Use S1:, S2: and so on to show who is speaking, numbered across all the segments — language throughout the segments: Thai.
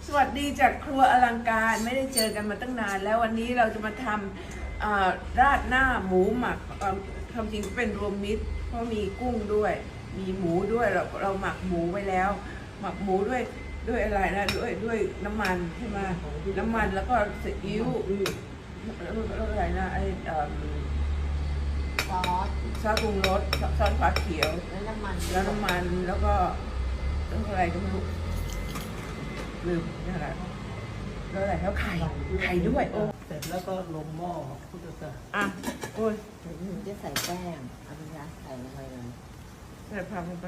S1: สวัสดีจากครัวอลังการไม่ได้เจอกันมาตั้งนานแล้ววันนี้เราจะมาทำราดหน้าหมูหมักความจริงเป็นรวมมิตรเพราะมีกุ้งด้วยมีหมูด้วยเราหมักหมูไว้แล้ว หมักหมูด้วยอะไรนะด้วยน้ำมันใช่ไหมน้ำมันแล้วก็ซีอิ๊วแล้วอะไรนะไอ
S2: ซอส
S1: ซอสปรุงรสซอสฟ้าเขียว
S2: แล้วน้ำมัน
S1: แล้วก็อะไรก็ไม่รู้ลืมนี่อะไรแล้วอะไรแล้วไข่ด้วยโอ้
S3: เสร็จแล้วก็ลงหม้อพุทธศาสนา
S1: อ่ะโอ้ย
S2: เดี๋ยวหนูจะใส่แป้งเอาไปยัดใส่ลงไปเลย
S1: ใส่ผักลงไป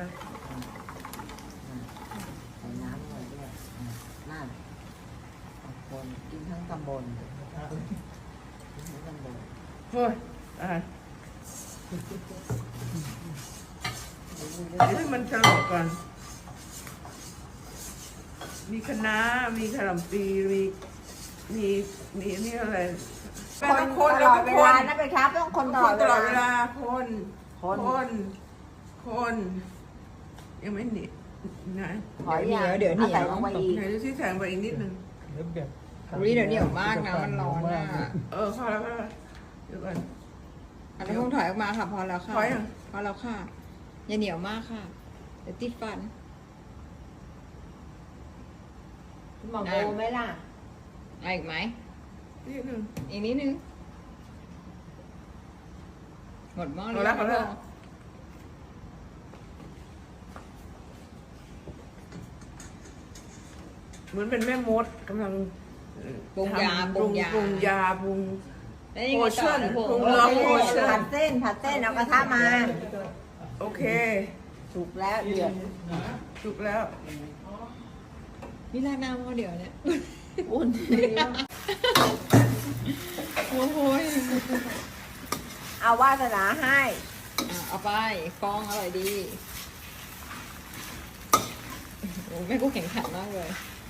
S2: ใส่น้ำลงไปด้วยนั่นคนกินทั้งตำบลกินทั้งตำบล
S1: โอ้ยอ่ะให้มันสลบก่อนมีคะน้ามีขนมปีมีนี่อะไรต้องคน
S2: ต
S1: แล้ว
S2: ลอ
S1: ก็
S2: ดเว
S1: ค
S2: ลาน นะไปครับต้องคนต
S1: ต
S2: ลอด
S1: ลอดเว
S2: เวลา
S1: ลาคนยังไม่หนีนะ
S2: ขออย่างเดี๋ยวเหนียวใส่ลงไปอีก
S1: ไหนดูที่แสงไปอีกนิดนึง
S3: เดี๋ยวแบบ
S4: อุ๊ยเดี๋ยวเหนียวมากนะมันร้อนอะ
S1: พอแล้วเดี๋ยวก่อน
S4: อันนี้คงถอยออกมาค่ะพอแล้วค่ะ
S1: ถอยเหรอ
S4: พอแล้วค่ะอย่าเหนียวมากค่ะเดี๋ยวติดฟัน
S2: หมอโบไหมล่ะ
S4: เอาอีกไหม
S1: นิดนึง
S4: อีกนิดนึงหมดหม้อ
S1: พอแล้วพอแล้ว เหมือนเป็นแม่มดกำลัง
S4: ปรุงยา
S1: ทำ
S4: ปรุงยา
S1: ปรุงยาปรุง
S4: แล้วยังไงต่อ
S1: Potion
S4: นะพวก
S1: ปรุง
S2: โอ
S1: รส
S2: เค
S1: Potion
S2: ผัดเส้นเอากระทะมา
S1: โอเค
S2: สุกแล้วเดือด
S1: ถูกแล้ว
S4: นี่ราดหน้าหม้อเดียวเนี่ย
S2: อุ่น
S4: โอ้โหย
S2: เอาวาสนาให้
S4: เอาไปฟองอร่อยดีโอ้แม่กูแข็งขันมากเลย